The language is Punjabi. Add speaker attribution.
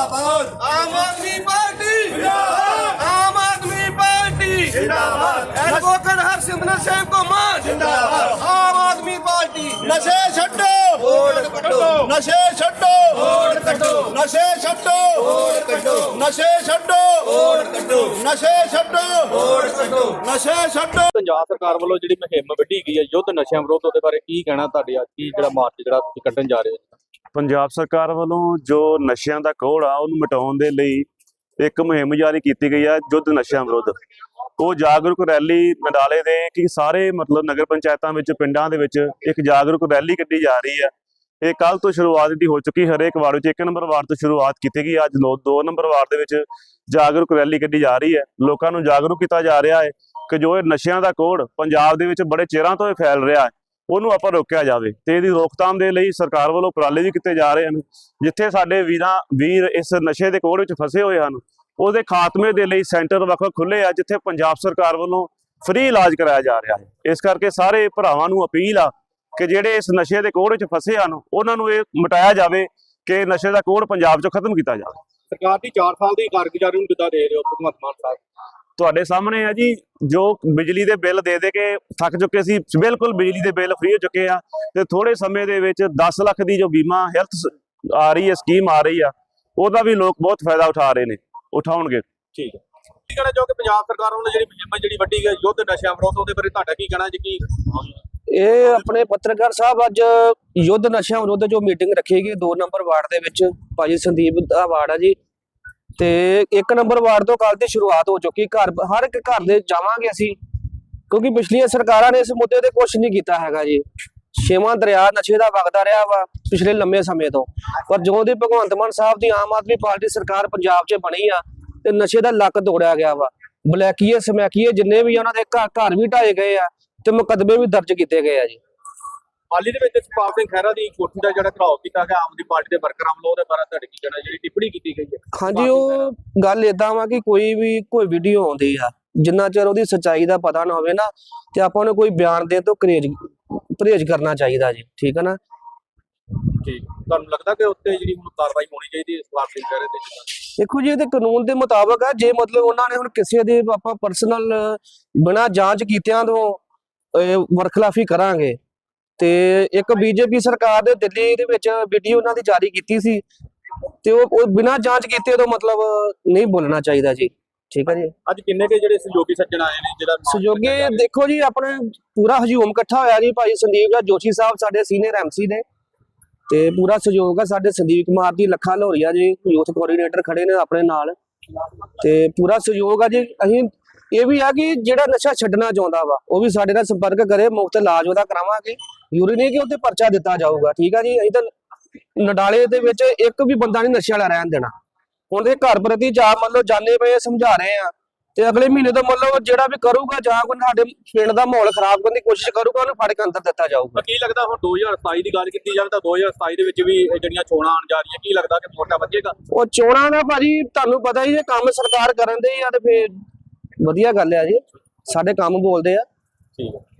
Speaker 1: जिंदाबाद आम आदमी पार्टी जिंदाबाद आम आदमी पार्टी जिंदाबाद एडवोकेट हरसिमरत सिंह को मान जिंदाबाद आम आदमी पार्टी
Speaker 2: नशे छड्डो
Speaker 1: वोट कटो
Speaker 2: नशे छड्डो
Speaker 1: वोट कटो
Speaker 2: नशे छड्डो
Speaker 1: वोट कटो
Speaker 2: नशे छड्डो
Speaker 1: वोट कटो
Speaker 2: नशे छड्डो
Speaker 1: वोट कटो
Speaker 2: नशे छड्डो।
Speaker 3: ਪੰਜਾਬ ਸਰਕਾਰ ਵੱਲੋਂ ਜਿਹੜੀ ਮੁਹਿੰਮ ਵਿੱਢੀ ਗਈ ਹੈ ਯੁੱਧ ਨਸ਼ਿਆਂ ਵਿਰੁੱਧ, ਉਹਦੇ ਬਾਰੇ ਕੀ ਕਹਿਣਾ ਤੁਹਾਡੇ ਅੱਜ ਕੀ ਜਿਹੜਾ ਮਾਰਚ ਜਿਹੜਾ ਤੁਸੀਂ ਕੱਢਣ ਜਾ ਰਹੇ ਹੋ?
Speaker 4: ਪੰਜਾਬ ਸਰਕਾਰ ਵੱਲੋਂ ਜੋ ਨਸ਼ਿਆਂ ਦਾ ਕੋਹੜ ਆ ਉਹਨੂੰ ਮਿਟਾਉਣ ਦੇ ਲਈ ਇੱਕ ਮੁਹਿੰਮ ਜਾਰੀ ਕੀਤੀ ਗਈ ਹੈ ਯੁੱਧ ਨਸ਼ਿਆਂ ਵਿਰੁੱਧ। ਉਹ ਜਾਗਰੂਕ ਰੈਲੀ ਨਡਾਲੇ ਦੇ ਕਿ ਸਾਰੇ ਮਤਲਬ ਨਗਰ ਪੰਚਾਇਤਾਂ ਵਿੱਚ ਪਿੰਡਾਂ ਦੇ ਵਿੱਚ ਇੱਕ ਜਾਗਰੂਕ ਰੈਲੀ ਕੱਢੀ ਜਾ ਰਹੀ ਹੈ। ਇਹ ਕੱਲ ਤੋਂ ਸ਼ੁਰੂਆਤ ਦੀ ਹੋ ਚੁੱਕੀ, ਹਰੇਕ ਵਾਰਡ ਵਿੱਚ 1 ਨੰਬਰ ਵਾਰਡ ਤੋਂ ਸ਼ੁਰੂਆਤ ਕੀਤੀ ਗਈ। ਅੱਜ 2 ਨੰਬਰ ਵਾਰਡ ਦੇ ਵਿੱਚ ਜਾਗਰੂਕ ਰੈਲੀ ਕੱਢੀ ਜਾ ਰਹੀ ਹੈ। ਲੋਕਾਂ ਨੂੰ ਜਾਗਰੂਕ ਕੀਤਾ ਜਾ ਰਿਹਾ ਹੈ ਕਿ ਜੋ ਇਹ ਨਸ਼ਿਆਂ ਦਾ ਕੋਹੜ ਪੰਜਾਬ ਦੇ ਵਿੱਚ ਬੜੇ ਚਿਰਾਂ ਤੋਂ ਫੈਲ ਰਿਹਾ ਹੈ ਉਹਨੂੰ ਆਪਾਂ ਰੋਕਿਆ ਜਾਵੇ ਤੇ ਇਹਦੀ ਰੋਕਥਾਮ ਦੇ ਲਈ ਸਰਕਾਰ ਵੱਲੋਂ ਉਪਰਾਲੇ ਵੀ ਕੀਤੇ ਜਾ ਰਹੇ ਹਨ। ਜਿੱਥੇ ਸਾਡੇ ਵੀਰ ਇਸ ਨਸ਼ੇ ਦੇ ਕੋਹੜ ਵਿੱਚ ਫਸੇ ਹੋਏ ਹਨ ਉਹਦੇ ਖਾਤਮੇ ਦੇ ਲਈ ਸੈਂਟਰ ਵੱਖ ਖੁੱਲੇ ਆ ਜਿੱਥੇ ਪੰਜਾਬ ਸਰਕਾਰ ਵੱਲੋਂ ਫ੍ਰੀ ਇਲਾਜ ਕਰਾਇਆ ਜਾ ਰਿਹਾ ਹੈ। ਇਸ ਕਰਕੇ ਸਾਰੇ ਭਰਾਵਾਂ ਨੂੰ ਅਪੀਲ ਆ ਕਿ ਜਿਹੜੇ ਇਸ ਨਸ਼ੇ ਦੇ ਕੋਹੜ ਵਿੱਚ ਫਸੇ ਹਨ ਉਹਨਾਂ ਨੂੰ ਇਹ ਮਿਟਾਇਆ ਜਾਵੇ ਕਿ ਨਸ਼ੇ ਦਾ ਕੋਹੜ ਪੰਜਾਬ 'ਚੋਂ ਖਤਮ ਕੀਤਾ ਜਾਵੇ।
Speaker 3: ਸਰਕਾਰ ਦੀ 4 ਸਾਲ ਦੀ ਕਾਰਗੁਜ਼ਾਰੀ ਨੂੰ ਕਿੱਦਾਂ ਦੇ ਰਹੇ ਹੋ ਭਗਵੰਤ ਮਾਨ ਸਾਹਿਬ?
Speaker 4: ਤੁਹਾਡੇ ਸਾਹਮਣੇ ਆ ਜੀ, ਜੋ ਬਿਜਲੀ ਦੇ ਬਿੱਲ ਦੇ ਕੇ ਥੱਕ ਚੁੱਕੇ ਸੀ, ਬਿਲਕੁਲ ਬਿਜਲੀ ਦੇ ਬਿੱਲ ਫ੍ਰੀ ਹੋ ਚੁੱਕੇ ਆ ਤੇ ਥੋੜੇ ਸਮੇਂ ਦੇ ਵਿੱਚ 10 ਲੱਖ ਦੀ ਜੋ ਬੀਮਾ ਹੈਲਥ ਆ ਰਹੀ ਹੈ ਸਕੀਮ ਆ ਰਹੀ ਆ ਉਹਦਾ ਵੀ ਲੋਕ ਬਹੁਤ ਫਾਇਦਾ ਉਠਾ ਰਹੇ ਨੇ, ਉਠਾਉਣਗੇ।
Speaker 3: ਠੀਕ ਹੈ, ਕੀ ਕਹਿਣਾ ਚਾਹੋਗੇ ਪੰਜਾਬ ਸਰਕਾਰ ਵੱਲੋਂ ਜਿਹੜੀ ਮੁਹਿੰਮ ਜਿਹੜੀ ਵੱਡੀ ਗਈ ਯੁੱਧ ਨਸ਼ਿਆਂ ਵਿਰੁੱਧ, ਉਹਦੇ ਬਾਰੇ ਤੁਹਾਡਾ ਕੀ ਕਹਿਣਾ ਜੀ? ਕੀ
Speaker 5: ਇਹ ਆਪਣੇ ਪੱਤਰਕਾਰ ਸਾਹਿਬ ਅੱਜ ਯੁੱਧ ਨਸ਼ਿਆਂ ਵਿਰੁੱਧ ਜੋ ਮੀਟਿੰਗ ਰੱਖੀ ਗਈ 2 ਨੰਬਰ ਵਾਰਡ ਦੇ ਵਿੱਚ, ਭਾਜੀ ਸੰਦੀਪ ਦਾ ਵਾਰਡ ਆ ਜੀ, ਤੇ 1 ਨੰਬਰ ਵਾਰਡ ਤੋਂ ਕੱਲ ਦੀ ਸ਼ੁਰੂਆਤ ਹੋ ਚੁੱਕੀ। ਹਰ ਇੱਕ ਘਰ ਦੇ ਜਾਵਾਂਗੇ ਅਸੀਂ, ਕਿਉਂਕਿ ਪਿਛਲੀਆਂ ਸਰਕਾਰਾਂ ਨੇ ਇਸ ਮੁੱਦੇ ਤੇ ਕੁਝ ਨਹੀਂ ਕੀਤਾ ਹੈਗਾ ਜੀ। 6ਵਾਂ ਦਰਿਆ ਨਸ਼ੇ ਦਾ ਵਗਦਾ ਰਿਹਾ ਵਾ ਪਿਛਲੇ ਲੰਮੇ ਸਮੇਂ ਤੋਂ, ਪਰ ਜਦੋਂ ਦੀ ਭਗਵੰਤ ਮਾਨ ਸਾਹਿਬ ਦੀ ਆਮ ਆਦਮੀ ਪਾਰਟੀ ਸਰਕਾਰ ਪੰਜਾਬ 'ਚ ਬਣੀ ਆ ਤੇ ਨਸ਼ੇ ਦਾ ਲੱਕ ਤੋੜਿਆ ਗਿਆ ਵਾ। ਬਲੈਕੀਏ ਸਮੈਕੀਏ ਜਿੰਨੇ ਵੀ ਉਹਨਾਂ ਦੇ ਘਰ ਵੀ ਢਾਏ ਗਏ ਆ ਤੇ ਮੁਕੱਦਮੇ ਵੀ ਦਰਜ ਕੀਤੇ ਗਏ ਆ ਜੀ।
Speaker 3: ਹਾਲ ਹੀ ਦੇ ਵਿੱਚ ਸੁਖਪਾਲ ਸਿੰਘ ਖਹਿਰਾ ਦੀ ਕੋਠੀ ਦਾ ਜਿਹੜਾ ਘਰਾਓ ਕੀਤਾ ਗਿਆ ਆਮ ਆਦਮੀ ਪਾਰਟੀ ਦੇ ਵਰਕਰਾਂ ਵੱਲੋਂ, ਉਹਦੇ ਬਾਰੇ ਤੁਹਾਡੇ ਕੀ ਕਹਿਣਾ ਜਿਹੜੀ ਟਿੱਪਣੀ ਕੀਤੀ ਗਈ ਹੈ?
Speaker 5: ਹਾਂਜੀ, ਉਹ ਗੱਲ ਏਦਾਂ ਵਾ ਕਿ ਕੋਈ ਵੀਡੀਓ ਆਉਂਦੀ ਆ ਜਿੰਨਾ ਚਿਰ ਉਹਦੀ ਸੱਚਾਈ ਦਾ ਪਤਾ ਨਾ ਹੋਵੇ ਨਾ ਤੇ ਆਪਾਂ ਨੂੰ ਕੋਈ ਬਿਆਨ ਦੇਣ ਤੋਂ ਪਰਹੇਜ਼ ਕਰਨਾ ਚਾਹੀਦਾ ਜੀ। ਠੀਕ ਹੈ ਨਾ?
Speaker 3: ਠੀਕ, ਤੁਹਾਨੂੰ ਲੱਗਦਾ ਕਿ ਉੱਤੇ ਜਿਹੜੀ ਹੁਣ ਕਾਰਵਾਈ ਹੋਣੀ ਚਾਹੀਦੀ ਹੈ ਸੁਖਪਾਲ ਸਿੰਘ ਖਹਿਰੇ ਤੇ?
Speaker 5: ਦੇਖੋ ਜੀ, ਇਹਦੇ ਕਾਨੂੰਨ ਦੇ ਮੁਤਾਬਕ ਆ। ਜੇ ਮਤਲਬ ਉਹਨਾਂ ਨੇ ਹੁਣ ਕਿਸੇ ਦੇ ਆਪਾਂ ਪਰਸਨਲ ਬਿਨਾਂ ਜਾਂਚ ਕੀਤਿਆਂ ਤੋਂ ਵਰਖਲਾਫੀ ਕਰਾਂਗੇ ਤੇ ਇੱਕ ਬੀਜੇਪੀ ਸਰਕਾਰ ਦੇ ਦਿੱਲੀ ਦੇ ਵਿੱਚ ਵੀਡੀਓ ਉਹਨਾਂ ਦੀ ਜਾਰੀ ਕੀਤੀ ਸੀ ਤੇ ਉਹ ਬਿਨਾਂ ਜਾਂਚ ਕੀਤੇ ਤੋਂ ਮਤਲਬ ਨਹੀਂ ਬੋਲਣਾ ਚਾਹੀਦਾ ਜੀ। ਠੀਕ ਹੈ ਜੀ।
Speaker 3: ਅੱਜ ਕਿੰਨੇ ਕੇ ਜਿਹੜੇ ਸਹਿਯੋਗੀ ਸੱਜਣ ਆਏ ਨੇ? ਜਿਹੜਾ
Speaker 5: ਸਹਿਯੋਗੀ ਦੇਖੋ ਜੀ, ਆਪਣੇ ਪੂਰਾ ਹਜੂਮ ਇਕੱਠਾ ਹੋਇਆ ਜੀ। ਭਾਈ ਸੰਦੀਪ ਜੋਸ਼ੀ ਸਾਹਿਬ ਸਾਡੇ ਸੀਨੀਅਰ MC ਨੇ ਤੇ ਪੂਰਾ ਸਹਿਯੋਗ ਆ। ਸਾਡੇ ਸੰਦੀਪ ਕੁਮਾਰ ਦੀ ਲੱਖਾ ਲੋਰੀਆ ਜੀ ਯੂਥ ਕੋਆਰਡੀਨੇਟਰ ਖੜੇ ਨੇ ਆਪਣੇ ਨਾਲ ਤੇ ਪੂਰਾ ਸਹਿਯੋਗ ਆ ਜੀ। ਅਸੀਂ ਇਹ ਵੀ ਆ ਕਿ ਜਿਹੜਾ ਨਸ਼ਾ ਛੱਡਣਾ ਚਾਹੁੰਦਾ ਵਾ ਉਹ ਵੀ ਸਾਡੇ ਨਾਲ ਸੰਪਰਕ ਕਰੇ, ਮੁਫਤ ਇਲਾਜ ਉਹਦਾ ਕਰਾਵਾਂਗੇ। ਜ਼ਰੂਰੀ ਨਹੀਂ ਕਿ ਉੱਤੇ ਪਰਚਾ ਦਿੱਤਾ ਜਾਊਗਾ। ਠੀਕ ਆ ਜੀ। ਅਸੀਂ ਤਾਂ ਨਡਾਲੇ ਦੇ ਵਿੱਚ ਇੱਕ ਵੀ ਬੰਦਾ ਨਹੀਂ ਨਸ਼ੇ ਵਾਲਾ ਰਹਿਣ ਦੇਣਾ। ਹੁਣ ਦੇ ਘਰ ਪ੍ਰਤੀ ਜਾ ਮਤਲਬ ਜਾਣੇ ਪਏ ਸਮਝਾ ਰਹੇ ਆ ਤੇ ਅਗਲੇ ਮਹੀਨੇ ਤੋਂ ਮਤਲਬ ਜਿਹੜਾ ਵੀ ਕਰੂਗਾ ਜਾਂ ਕੋਈ ਸਾਡੇ ਪਿੰਡ ਦਾ ਮਾਹੌਲ ਖਰਾਬ ਕਰਨ ਦੀ ਕੋਸ਼ਿਸ਼ ਕਰੂਗਾ ਉਹਨੂੰ ਫੜ ਕੇ ਅੰਦਰ ਦਿੱਤਾ ਜਾਊਗਾ।
Speaker 3: ਕੀ ਲੱਗਦਾ ਹੁਣ 2027 ਦੀ ਗੱਲ ਕੀਤੀ ਜਾਵੇ ਤਾਂ 2027 ਦੇ ਵਿੱਚ ਵੀ ਜਿਹੜੀਆਂ ਚੋਣਾਂ ਆਉਣ ਜਾ ਰਹੀਆਂ, ਕੀ ਲੱਗਦਾ ਕਿ ਵੋਟਾਂ ਵਧੇਗਾ?
Speaker 5: ਉਹ ਚੋਣਾਂ ਦਾ ਭਾਜੀ ਤੁਹਾਨੂੰ ਪਤਾ ਹੀ, ਜੇ ਕੰਮ ਸਰਕਾਰ ਕਰਨ ਦੇ ਆ ਤੇ ਫੇਰ ਵਧੀਆ ਗੱਲ ਆ ਜੀ। ਸਾਡੇ ਕੰਮ ਬੋਲਦੇ ਆ।
Speaker 3: ਠੀਕ ਹੈ।